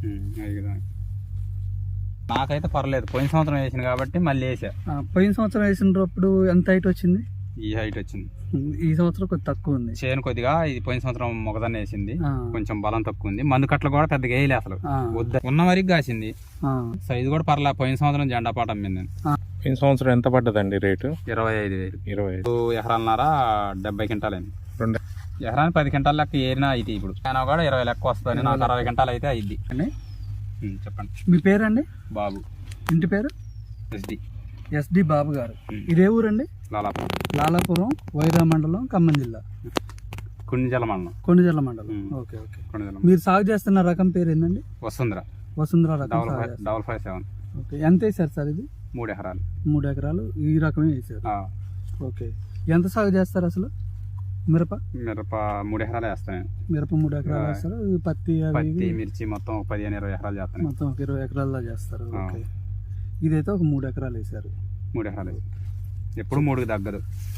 అది కదా. నాకైతే పర్లేదు, పోయిన సంవత్సరం వేసింది కాబట్టి మళ్ళీ వేసా. పోయిన సంవత్సరం వేసినప్పుడు ఎంత హైట్ వచ్చింది? ఈ హైట్ వచ్చింది. ఈ సంవత్సరం కొద్ది తక్కువ ఉంది చేను కొద్దిగా. ఇది పోయిన సంవత్సరం మొగదాన్ని వేసింది, కొంచెం బలం తక్కువ ఉంది. మందు కట్టలు కూడా పెద్దగా వేయలే అసలు, వద్ద ఉన్న వరకు కాసింది. సైజు కూడా పర్లే. పోయిన సంవత్సరం జెండా పాట అమ్మింది. పోయిన సంవత్సరం ఎంత పడ్డదండి రేటు? 25,000. 25 ఎకరాలన్నర 70 క్వింటాలు అయింది. ఎకరానికి 10 క్వింటాల లెక్క ఏరినా అయితే ఇప్పుడు అయినా కూడా 20 లెక్క వస్తుంది. నాకు 60 క్వింటాలు అయితే అయింది. చెప్పండి. మీ పేరండి? బాబు. ఇంటి పేరు? ఎస్డి బాబు గారు. ఇదే ఊరండి? లాలాపురం, వైరా మండలం, ఖమ్మం జిల్లా, కొన్నిజల మండలం. కొన్నిజల మండలం. Okay okay. మీరు సాగు చేస్తున్న రకం పేరు ఏంటండి? వసుంధర రకం. 557. ఓకే. ఎంత వేసారు సార్ ఇది? 3 ఎకరాలు. 3 ఎకరాలు ఈ రకమే వేసారు. ఓకే. ఎంత సాగు చేస్తారు అసలు? మిరప 3 ఎకరాలు వేస్తాను. మిరప 3 ఎకరాలు వేస్తారు. పత్తి, మిర్చి మొత్తం 15-20 ఎకరాలు చేస్తాను. మొత్తం 20 ఎకరాల్లో చేస్తారు. ఓకే. ఇదైతే ఒక 3 ఎకరాలు వేసారు. 3 ఎకరాలు ఎప్పుడు 3కి తగ్గదు.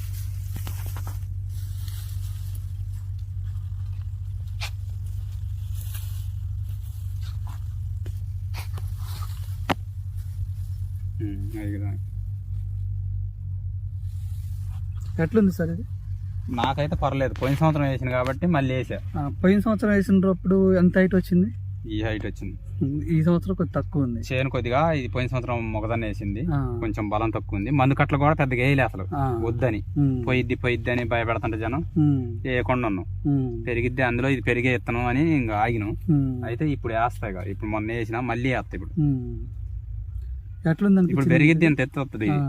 ఎట్లుంది సార్ ఇది? నాకైతే పర్లేదు, పోయిన సంవత్సరం వేసింది కాబట్టి మళ్ళీ వేసా. పోయిన సంవత్సరం వేసినప్పుడు ఎంత హైట్ వచ్చింది? ఈ హైట్ వచ్చింది. ఈ సంవత్సరం కొద్ది తక్కువ ఉంది. చేను కొద్దిగా. ఇది పోయిన సంవత్సరం మొగదాన్ని వేసింది, కొంచెం బలం తక్కువ ఉంది. మందు కట్టలు కూడా పెద్దగా వేయలే అసలు, వద్దని. పోయిద్ది అని భయపెడతంటే జనం వేయకుండా ఉన్నాం. పెరిగిద్ది అందులో, ఇది పెరిగే ఇత్తనం అని ఇంకా ఆగినాం. అయితే ఇప్పుడు వేస్తాయి కదా, ఇప్పుడు మొన్న వేసినా మళ్ళీ వేస్తాయి. ఇప్పుడు ఎట్లుందండి? ఇప్పుడు పెరిగిద్ది ఎంత ఎత్తు వస్తుంది. ఇది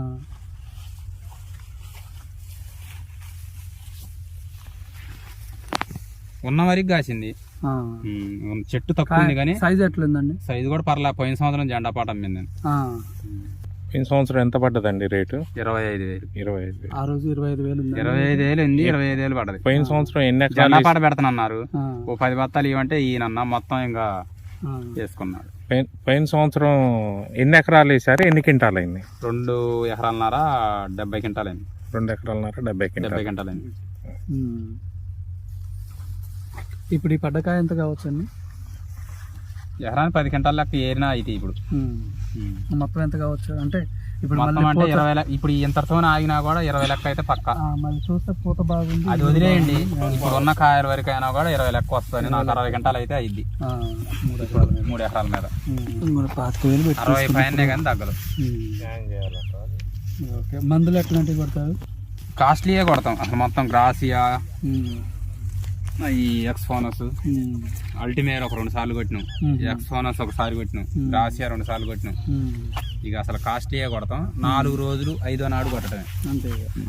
ఉన్న వరకు కాసింది. చెట్టు తక్కువ ఉంది కానీ సైజ్ ఎట్లుందండి? సైజు కూడా పర్లే. పోయిన సంవత్సరం జెండా పాట అమ్మింది. పోయిన సంవత్సరం ఎంత పడ్డదండి రేటు? 25,000. ఆ రోజు 25,000 ఉంది. 25,000 ఉంది. 25,000 పడ్డది. పోయిన సంవత్సరం ఎన్ని జెండా పాట పెడతానన్నారు. ఓ 10 బత్తాలు ఇవ్వంటే ఈయనన్నా మొత్తం ఇంకా వేసుకున్నాడు. పోయిన సంవత్సరం ఎన్ని ఎకరాలు వేసారు? ఎన్ని క్వింటాలు అయింది? 2 ఎకరాలన్నర 70 క్వింటాలు అయింది. 2 ఎకరాలన్నర 70 క్వింటాలు అయింది. ఇప్పుడు ఈ పడ్డకాయ ఎంత కావచ్చు అండి? ఎకరానికి 10 క్వింటాల లెక్క ఏరినా అయితే ఇప్పుడు మొత్తం ఎంత కావచ్చు అంటే? ఇప్పుడు మొత్తం అంటే 20 లెక్క. ఇప్పుడు ఇంతతో ఆగినా కూడా 20 లెక్క అయితే పక్క. మళ్ళీ చూస్తే పూత బాగుంది. అది వదిలేయండి. ఇప్పుడు ఉన్న కాయల వరకు అయినా కూడా 20 లెక్క వస్తుంది. నాకు 60 క్వింటాలు అయితే అయింది. 3 ఎకరాల మీద 60 పైనే కానీ తగ్గదు. ఓకే. మందులు ఎట్లాంటివి కొడతారు? కాస్ట్లీయే కొడతాం అసలు. మొత్తం గ్రాసియా, ఈ ఎక్స్ఫోనస్, అల్టిమేర్ ఒక 2 సార్లు కొట్టినాం. ఎక్స్ఫోనస్ ఒకసారి కొట్టినాం. గ్రాసియా 2 సార్లు కొట్టినాం. ఇక అసలు కాస్ట్లీయే కొడతాం. 4 రోజులు 5వ నాడు కొట్టడమే అంతే.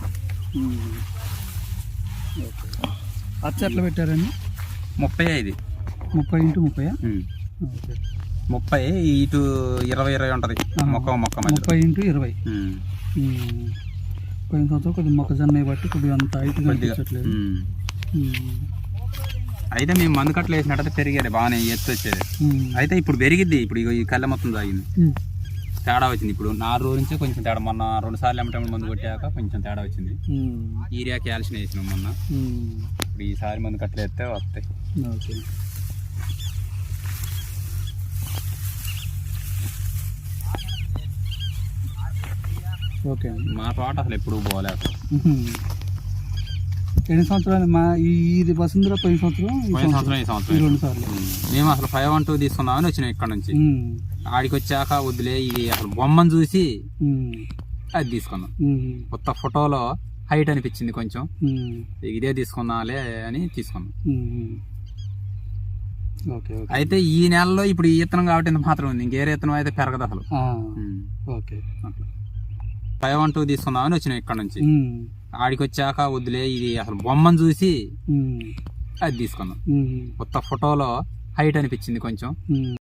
అచ్చ ఎట్లా పెట్టారండి? 35. 30 x 30? 30 ఇటు 20 ఉంటుంది. మొక్క 30 x 20. పోయిన సంవత్సరం కొద్దిగా మొక్కజొన్న బట్టి కొద్దిగా అంత హైట్ కనిపించట్లేదు. అయితే మేము మందు కట్టలు వేసినట్టయితే పెరిగేది బాగానే, ఎత్తు వచ్చేది. అయితే ఇప్పుడు పెరిగిద్ది. ఇప్పుడు ఈ కళ్ళ మొత్తం తాగింది, తేడా వచ్చింది. ఇప్పుడు 4 రోజుల నుంచే కొంచెం తేడా. మొన్న 2 సార్లు ఎమ్మటం మందు కొట్టాక కొంచెం తేడా వచ్చింది. యూరియా క్యాల్షియం వేసినాం మొన్న. ఇప్పుడు ఈసారి మందు కట్టలు వేస్తే వస్తాయి. ఓకే. మా తోట అసలు ఎప్పుడు పోలేదు. ఎన్ని సంవత్సరాలు? మా ఇది వసుంధర పోయిన సంవత్సరం, ఈ సంవత్సరం 2 సార్లు. మేము అసలు 512 తీసుకుందామని వచ్చినాం ఇక్కడ నుంచి. ఆడికి వచ్చాక వద్దులే, ఇది అసలు బొమ్మను చూసి అది తీసుకున్నాం. కొత్త ఫోటోలో హైట్ అనిపించింది కొంచెం, ఇదే తీసుకుందాంలే అని తీసుకున్నాం. అయితే ఈ నెలలో ఇప్పుడు ఈ ఇత్తనం కాబట్టి ఇంత మాత్రం ఉంది. ఇంకేరే ఇత్తనం అయితే పెరగదు అసలు. ఓకే. అట్లా 512 తీసుకుందామని వచ్చినాం ఇక్కడ నుంచి. ఆడికి వచ్చాక వద్దులే, ఇది అసలు బొమ్మను చూసి అది తీసుకున్నాం. కొత్త ఫోటోలో హైట్ అనిపించింది కొంచెం.